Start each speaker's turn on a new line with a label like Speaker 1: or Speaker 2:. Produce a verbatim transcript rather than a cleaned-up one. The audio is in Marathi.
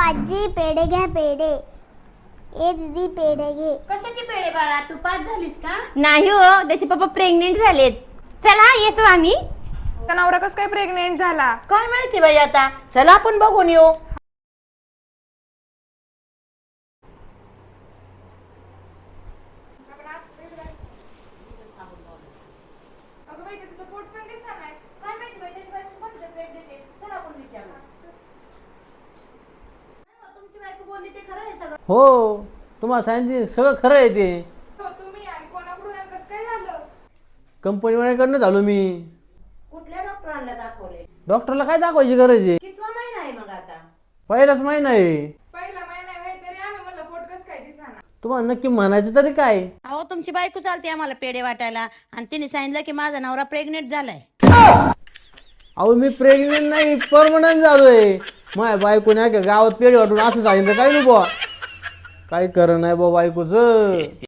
Speaker 1: आजी पेढे घ्या पेढे. ए दीदी पेढे घे.
Speaker 2: कशाची पेढे बाळा, तू पास झालीस का?
Speaker 3: नाही हो, त्याचे पप्पा प्रेग्नेंट झालेत. चला येतो आम्ही.
Speaker 4: त्या नवरा कस काय प्रेग्नेंट झाला?
Speaker 2: काय माहिती बाई, आता चला आपण बघून येऊ.
Speaker 5: हो, तुम्हाला सांगितलं सगळं खरं आहे ते.
Speaker 4: तुम्ही आणि कोणाकडून आणि कसं काय झालं?
Speaker 5: कंपनीवाल्याकडनं झालो मी.
Speaker 2: कुठल्या डॉक्टरांना दाखवले?
Speaker 5: डॉक्टरला काय दाखवायची गरज आहे?
Speaker 2: कितवा महिना आहे मग आता?
Speaker 5: पहिलाच महिना आहे.
Speaker 4: पहिला महिना आहे तरी आम्ही म्हणलं पोट कसं काय दिसाना.
Speaker 5: तुम्हाला नक्की म्हणायचं तरी काय?
Speaker 2: अहो तुमची बायको चालते आम्हाला पेढे वाटायला आणि तिने सांगितलं की माझा नवरा प्रेग्नेंट झालाय.
Speaker 5: अहो मी प्रेग्नेंट नाही, परमनंट झालोय. माझ्या बायकोने गावात पेढे वाटून असं सांगितलं काय नाही बुवा. काय खरं नाही बुवा बायकोचं.